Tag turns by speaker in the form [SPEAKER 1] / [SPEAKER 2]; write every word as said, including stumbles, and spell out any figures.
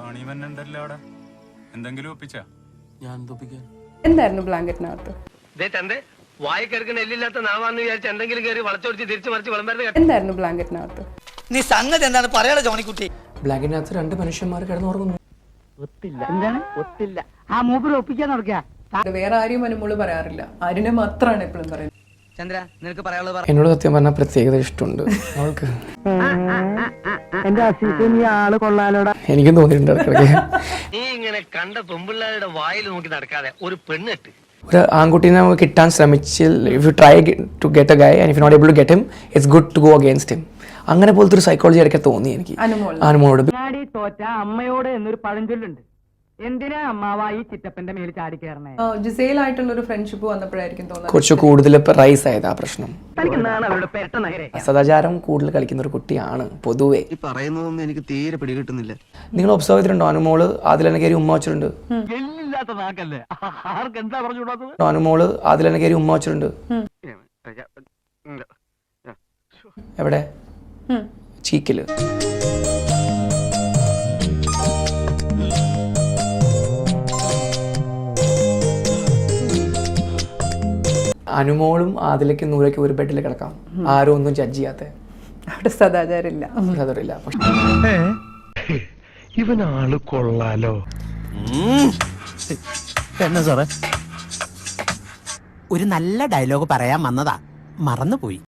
[SPEAKER 1] പണിവന്നുണ്ടല്ലോ അവിടെ. എന്തെങ്കിലും ഒപ്പിച്ചാ?
[SPEAKER 2] ഞാൻ ഒപ്പിക്കാൻ
[SPEAKER 3] എന്തായിരുന്നു ബ്ലാങ്കറ്റിനകത്ത്?
[SPEAKER 4] വായിക്കെടുക്കുന്ന എല്ലില്ലാത്ത നാവാന്ന് വിചാരിച്ച് എന്തെങ്കിലും കയറി വളച്ചൊടിച്ച് തിരിച്ചു മറിച്ച് വിളമ്പരുത്.
[SPEAKER 3] എന്തായിരുന്നു ബ്ലാങ്കറ്റിനകത്ത്?
[SPEAKER 5] നീ സംഗതി എന്താണ് പറയാ ജോണിക്കുട്ടി?
[SPEAKER 2] ബ്ലാങ്കിനകത്ത് രണ്ട് മനുഷ്യന്മാർ കിടന്നുറങ്ങുന്നു.
[SPEAKER 6] ഒത്തില്ല എന്താണ് ഒത്തില്ല ആ മൂപ്പര് ഒപ്പിക്കാൻ നടക്കുക.
[SPEAKER 3] ഇത് വേറെ ആരെയും അനുമോള് പറയാറില്ല, ആരിനെ മാത്രമാണ് എപ്പോഴും പറയുന്നത്.
[SPEAKER 5] ചന്ദ്ര നിനക്ക് പറയാനുള്ളത് പറ.
[SPEAKER 2] എന്നോട് സത്യം പറഞ്ഞാൽ പ്രത്യേകത ഇഷ്ടമുണ്ട് അവൾക്ക്.
[SPEAKER 6] എന്റെ അസീസ് നീ ആള് കൊള്ളാലോടാ.
[SPEAKER 2] എനിക്കും തോന്നിയിട്ടുണ്ട് ഇടയ്ക്കിടയ്ക്ക്.
[SPEAKER 4] നീ ഇങ്ങനെ കണ്ട പെമ്പിള്ളാരുടെ വായിൽ നോക്കി നടക്കാതെ ഒരു പെണ്ണിട്ട്
[SPEAKER 2] ഒരു ആൺകുട്ടീനെ നമുക്ക് കിട്ടാൻ ശ്രമിച്ചിൽ if you try to get a guy and if you not able to get him it's good to go against him. അങ്ങനെ പോലത്തെ ഒരു സൈക്കോളജി ഇടയ്ക്ക് തോന്നി എനിക്ക്
[SPEAKER 3] അനുമോൾ
[SPEAKER 2] അനുമോളോട്.
[SPEAKER 6] ചാടി തോറ്റ അമ്മയോട് എന്നൊരു പഴഞ്ചൊല്ലുണ്ട്. എന്തിനാ അമ്മാവ ഈ ചിറ്റപ്പന്റെ മേൽ ചാടി കയറണേ?
[SPEAKER 3] ജിസയിലായിട്ടുള്ള ഒരു ഫ്രണ്ട്ഷിപ്പ് വന്നപ്പോഴായിരിക്കും തോന്നുന്നത്
[SPEAKER 2] കുറച്ച് കൂടുതൽ റൈസ് ആയത് ആ പ്രശ്നം.
[SPEAKER 6] തനിക്കെന്താണ് അവരുടെ പെട്ട നഗരെ?
[SPEAKER 2] സദാചാരം കൂടുതൽ കളിക്കുന്ന ഒരു കുട്ടിയാണ് പൊതുവെ.
[SPEAKER 7] ഈ പറയുന്നതൊന്നും എനിക്ക് തീരെ പിടികിട്ടുന്നില്ല.
[SPEAKER 2] നിങ്ങൾ ഒബ്സർവ് ചെയ്തിട്ടുണ്ടോ? അനുമോള് അതിലെന്നെ കയറി ഉമ്മ വെച്ചിട്ടുണ്ട്.
[SPEAKER 6] എല്ലില്ലാത്ത നാക്കല്ലേ ആർക്ക് എന്താ പറഞ്ഞുകൂടാത്തത്?
[SPEAKER 2] അനുമോള് അതിലെന്നെ കയറി ഉമ്മ വെച്ചിട്ടുണ്ട്. എവിടെ? ചീക്കില്. അനുമോളും അതിലേക്ക് നൂരയ്ക്ക് ഒരു ബെഡിൽ കിടക്കാം, ആരും ഒന്നും ജഡ്ജ് ചെയ്യാത്ത.
[SPEAKER 3] അവിടെ സദാചാരില്ല.
[SPEAKER 2] അതറിയില്ല. പക്ഷെ
[SPEAKER 4] ഇവനാള് കൊള്ളാലോ.
[SPEAKER 5] എന്നാ സാറേ ഒരു നല്ല ഡയലോഗ് പറയാൻ വന്നതാ, മറന്നുപോയി.